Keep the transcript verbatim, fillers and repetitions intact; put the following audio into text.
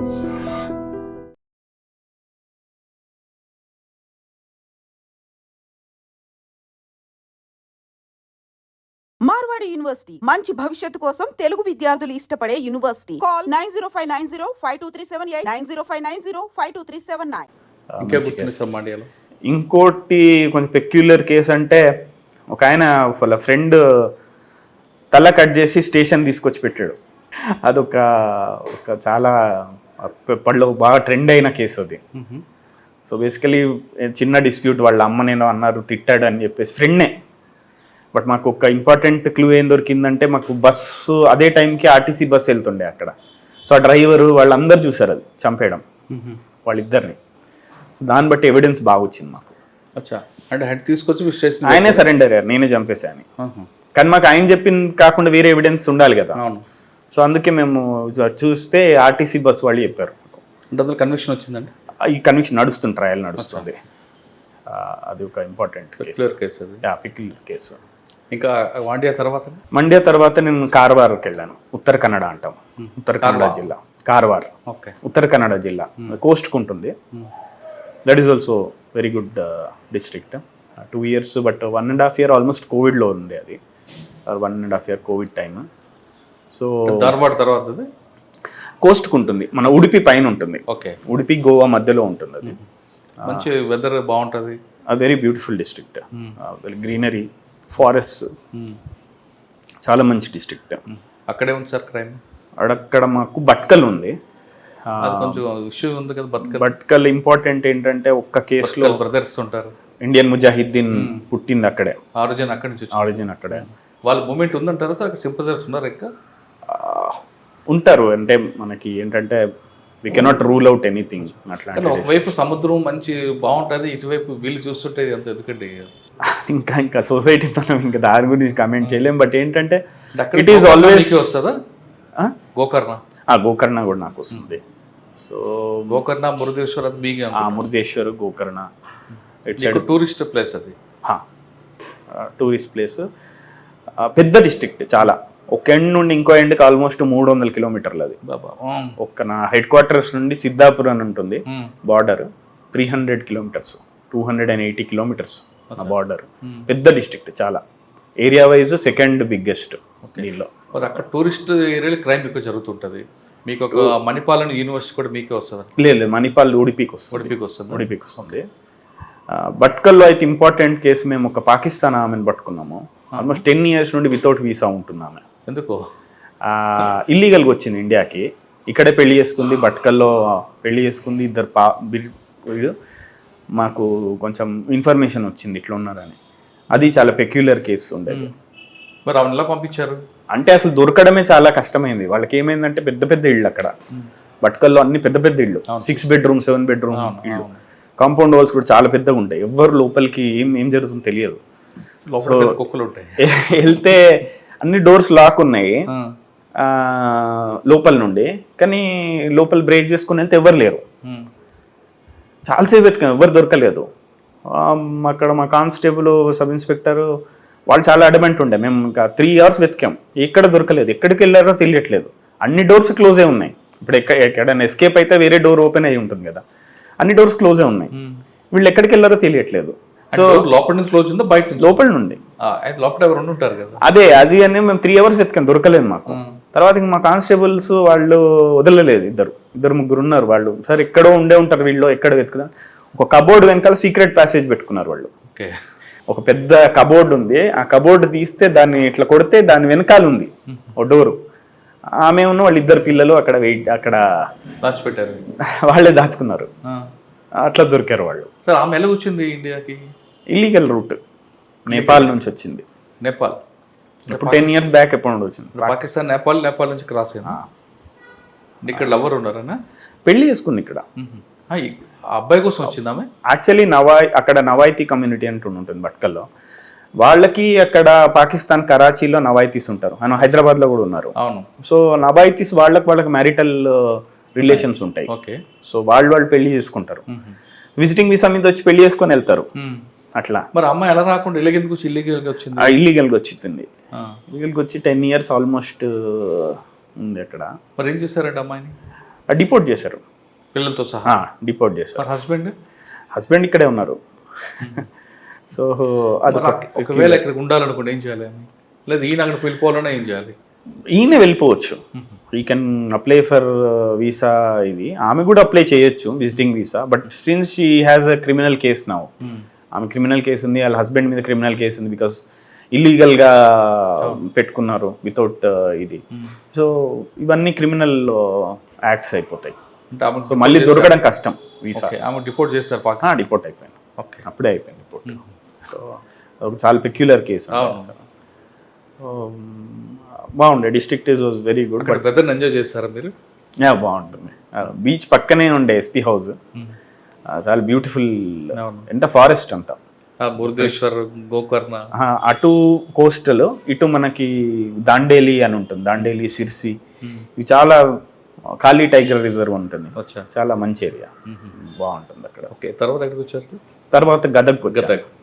Marwadi university మంచి భవిష్యత్తు కోసం తెలుగు విద్యార్థులు ఇష్టపడే university. Call nine zero five nine zero five two three seven eight nine zero five nine zero five two three seven nine. ఇంకోటి కొంచెం peculiar case అంటే ఒక ఆయన వాళ్ళ ఫ్రెండ్ తల కట్ చేసి స్టేషన్ తీసుకొచ్చి పెట్టాడు. అదొక ఒక చాలా పళ్ళు బాగా ట్రెండ్ అయిన కేసు అది. సో బేసికలీ చిన్న డిస్ప్యూట్, వాళ్ళ అమ్మ నేను అన్నారు తిట్టాడు అని చెప్పేసి ఫ్రెండ్నే. బట్ మాకు ఒక ఇంపార్టెంట్ క్లూ ఏం దొరికిందంటే, మాకు బస్సు అదే టైంకి ఆర్టీసీ బస్సు వెళ్తుండే అక్కడ. సో ఆ డ్రైవరు వాళ్ళందరూ చూసారు అది చంపేయడం వాళ్ళిద్దరిని. సో దాన్ని బట్టి ఎవిడెన్స్ బాగా వచ్చింది మాకు. అంటే హెడ్ తీసుకొచ్చి స్టేషన్ ఆయనే సరెండర్ అయ్యారు, నేనే చంపేశాను. కానీ మాకు ఆయన చెప్పింది కాకుండా వేరే ఎవిడెన్స్ ఉండాలి కదా. సో అందుకే మేము చూస్తే ఆర్టీసీ బస్సు వాళ్ళు చెప్పారు. అంటే అందులో కన్విక్షన్ వచ్చిందండి. ఈ కన్విక్షన్ నడుస్తుంది, ట్రయల్ నడుస్తుంది. అది ఒక ఇంపార్టెంట్ కేసు పిక్యులర్ కేసు. ఇంకా మండ్యా తర్వాత మండ్యా తర్వాత నేను కార్వార్కి వెళ్ళాను. ఉత్తర కన్నడ అంటాం, ఉత్తర కన్నడ జిల్లా కార్వార్. ఓకే, ఉత్తర కన్నడ జిల్లా కోస్ట్కి ఉంటుంది. That is also very good district. Two years but one and half year almost కోవిడ్లో ఉంది అది. One and half year covid time. So Dharwad తర్వాత కోస్ట్కి ఉంటుంది, మన ఉడిపి పైన ఉంటుంది. ఓకే, ఉడిపి గోవా మధ్యలో ఉంటుంది అది. మంచి వెదర్ బాగుంటుంది. Very beautiful district, greenery, forest, చాలా మంచి డిస్ట్రిక్ట్. అక్కడే ఉంది సార్ క్రైమ్. అక్కడ మాకు బట్కల్ ఉంది, కొంచెం ఇష్యూ ఉంది కదా. బట్కల్ బట్కల్ ఇంపార్టెంట్ ఏంటంటే ఒక్క కేసులో బ్రదర్స్ ఉంటారు. ఇండియన్ ముజాహిద్దీన్ పుట్టింది అక్కడే, ఆరిజిన్ అక్కడి నుంచి ఆరిజిన్ అక్కడే. వాళ్ళ మూమెంట్ ఉందంటారా సార్? అక్కడ సింపథైజర్స్ ఉన్నారు ఇంకా ఉంటారు. అంటే మనకి ఏంటంటే we cannot rule out anything. అట్లా ఒకవైపు సముద్రం మంచి బాగుంటుంది, ఇటువైపు వీళ్ళు చూస్తుంటే అంత ఎందుకంటే ఇంకా ఇంకా సొసైటీ మనం ఇంకా దాని గురించి కమెంట్ చేయలేం. బట్ ఏంటంటే ఇట్ ఈస్ ఆల్వేస్ వస్తుందా గోకర్ణ. గోకర్ణ కూడా నాకు వస్తుంది. సో గోకర్ణ, మురుదేశ్వర్ అది మీగా Murudeshwar, Gokarna it's tourist place. అది టూరిస్ట్ ప్లేస్, పెద్ద డిస్ట్రిక్ట్ చాలా. ఒక ఎండ్ నుండి ఇంకో ఎండ్కి ఆల్మోస్ట్ మూడు వందల కిలోమీటర్లు అది. ఒక్క నా హెడ్ క్వార్టర్స్ నుండి సిద్ధాపూర్ అని ఉంటుంది border, three hundred kilometres two hundred and eighty kilometres ఆ బార్డర్. పెద్ద డిస్ట్రిక్ట్ చాలా, ఏరియా వైజ్ సెకండ్ బిగ్గెస్ట్ దీనిలో. అక్కడ టూరిస్ట్ ఏరియాలో క్రైమ్ ఎక్కువ జరుగుతుంటుంది. మీకు ఒక మణిపాల్ యూనివర్సిటీ కూడా మీకే వస్తుంది? లేదు లేదు, మణిపాల్ ఉడిపికి వస్తుంది. ఉడిపికి వస్తుంది ఉడిపికి వస్తుంది. బట్కల్లో అయితే ఇంపార్టెంట్ కేసు, మేము ఒక పాకిస్తాన్ ఆమెను పట్టుకున్నాము. ఆల్మోస్ట్ టెన్ ఇయర్స్ నుండి వితౌట్ వీసా ఉంటుంది ఆమె. ఎందుకు? ఇల్లీగల్గా వచ్చింది ఇండియాకి, ఇక్కడే పెళ్లి చేసుకుంది, బట్కల్లో పెళ్లి చేసుకుంది. ఇద్దరు పా మాకు కొంచెం ఇన్ఫర్మేషన్ వచ్చింది ఇట్లా ఉన్నారని. అది చాలా పెక్యులర్ కేసు ఉండేది. మరి ఆమె ఎలా పంపించారు అంటే అసలు దొరకడమే చాలా కష్టమైంది. వాళ్ళకి ఏమైందంటే పెద్ద పెద్ద ఇళ్ళు అక్కడ బట్కల్లో, అన్ని పెద్ద పెద్ద ఇళ్ళు, సిక్స్ బెడ్రూమ్ సెవెన్ బెడ్రూమ్ ఇళ్ళు. కాంపౌండ్ వాల్స్ కూడా చాలా పెద్దగా ఉంటాయి. ఎవరు లోపలికి ఏం ఏం జరుగుతుందో తెలియదు. కుక్కలు ఉంటాయి, వెళ్తే అన్ని డోర్స్ లాక్ ఉన్నాయి లోపల నుండి. కానీ లోపల బ్రేక్ చేసుకుని వెళ్తే ఎవరు లేరు. చాలాసేపు వెతికాం, ఎవరు దొరకలేదు. అక్కడ మా కానిస్టేబుల్, సబ్ ఇన్స్పెక్టర్ వాళ్ళు చాలా అడమెంట్ ఉండే. మేము ఇంకా త్రీ అవర్స్ వెతికాం, ఎక్కడ దొరకలేదు. ఎక్కడికి వెళ్ళారో తెలియట్లేదు. అన్ని డోర్స్ క్లోజే ఉన్నాయి. ఇప్పుడు ఎక్కడ ఎక్కడైనా ఎస్కేప్ అయితే వేరే డోర్ ఓపెన్ అయ్యి ఉంటుంది కదా, అన్ని డోర్స్ క్లోజే ఉన్నాయి. వీళ్ళు ఎక్కడికి వెళ్ళారో తెలియట్లేదు. సో లోపల నుంచి క్లోజ్ ఉందా బయట? లోపల నుండి. లోపల ఎవరు ఉంటారు కదా. అదే అది అని మేము త్రీ అవర్స్ వెతికాం, దొరకలేదు మాకు. తర్వాత ఇంక మా కానిస్టేబుల్స్ వాళ్ళు వదలలేదు. ఇద్దరు ఇద్దరు ముగ్గురు ఉన్నారు వాళ్ళు. సరే ఎక్కడో ఉండే ఉంటారు వీళ్ళు, ఎక్కడ వెతుకుదాం. ఒక కబోర్డ్ వెనకాల సీక్రెట్ ప్యాసేజ్ పెట్టుకున్నారు వాళ్ళు. ఒక పెద్ద కబోర్డ్ ఉంది, ఆ కబోర్డ్ తీస్తే దాన్ని ఇట్లా కొడితే దాని వెనకాల ఉంది ఓ డోరు. ఆమె ఉన్న వాళ్ళు ఇద్దరు పిల్లలు అక్కడ వెయిట్ అక్కడ దాచిపెట్టారు, వాళ్ళే దాచుకున్నారు. అట్లా దొరికారు వాళ్ళు. సార్ ఆమె ఎలా వచ్చింది ఇండియాకి? ఇల్లీగల్ రూట్, నేపాల్ నుంచి వచ్చింది. నేపాల్ ఇప్పుడు టెన్ ఇయర్స్ బ్యాక్ ఎప్పుడు వచ్చింది. పాకిస్తాన్, నేపాల్, నేపాల్ నుంచి క్రాస్ అయింది. ఇక్కడ లవర్ ఉన్నారన్నా, పెళ్లి చేసుకుంది ఇక్కడ. అబ్బాయి కోసం వచ్చింది ఆమె. యాక్చువల్లీ నవాయ్ అక్కడ నవాయితీ కమ్యూనిటీ అంటూ ఉంటుంది బట్కల్లో. వాళ్ళకి అక్కడ పాకిస్తాన్ కరాచీలో నవాయితీస్ ఉంటారు, ఆయన హైదరాబాద్ లో కూడా ఉన్నారు. అవును. సో నవాయితీస్ వాళ్ళకి వాళ్ళకి మ్యారిటల్ రిలేషన్స్ ఉంటాయి. సో వాళ్ళు వాళ్ళు పెళ్లి చేసుకుంటారు, విజిటింగ్ వీసా మీద వచ్చి పెళ్లి చేసుకొని వెళ్తారు అట్లా. మరి అమ్మాయి ఎలా రాకుండా ఇల్లీగల్ వచ్చి ఇల్లీగల్ గా వచ్చింది? ఇల్లీగల్ గా వచ్చింది. ఇల్లీగల్ గా వచ్చి టెన్ ఇయర్స్ ఆల్మోస్ట్ ఉంది అక్కడ. మరి ఏం చేశారంటే అమ్మాయిని? డిపోర్ట్ చేశారు, పిల్లలతో సహా. డిపోర్ట్ చేశారు. మరి హస్బెండ్ హస్బెండ్ ఇక్కడే ఉన్నారు. సో అది ఒకవేళ ఇక్కడ ఉండాలనుకోండి ఏం చేయాలి అని, లేదు ఈయన అక్కడ వెళ్ళిపోవాలన్నా ఏం చేయాలి? ఈయన వెళ్ళిపోవచ్చు, ఈ కెన్ అప్లై ఫర్ వీసా. ఇది ఆమె కూడా అప్లై చేయొచ్చు, visiting visa. But since she has a criminal case now, ఆమె క్రిమినల్ కేసు ఉంది, వాళ్ళ హస్బెండ్ మీద క్రిమినల్ కేసు ఉంది, బికాస్ ఇల్లీగల్గా పెట్టుకున్నారు వితౌట్ ఇది. సో ఇవన్నీ క్రిమినల్ యాక్ట్స్ అయిపోతాయి. అంటే ఆమె సో మళ్ళీ దొరకడం కష్టం వీసా. ఆమె డిపోర్ట్ చేస్తారు పాకిస్తాన్. డిపోర్ట్ అయిపోయింది, ఓకే, అప్పుడే అయిపోయింది డిపోర్ట్. సో ఒక చాలా పెక్యులర్ కేసు. బాగుండే, district is was very good. But weather enjoy చేస్తారా మీరు? బాగుంటుంది, బీచ్ పక్కనే ఉండే ఎస్పీ హౌస్, చాలా బ్యూటిఫుల్. ఎంత ఫారెస్ట్ అంతా, మురుదేశ్వర్, గోకర్ణ, అటు కోస్టల్, ఇటు మనకి దాండేలి అని ఉంటుంది, దాండేలి, సిర్సి, ఇవి చాలా ఖాళీ టైగర్ రిజర్వ్ ఉంటుంది, చాలా మంచి ఏరియా, బాగుంటుంది అక్కడ. ఓకే, తర్వాత ఎక్కడికి వచ్చారు? తర్వాత గదగ్ గదగ్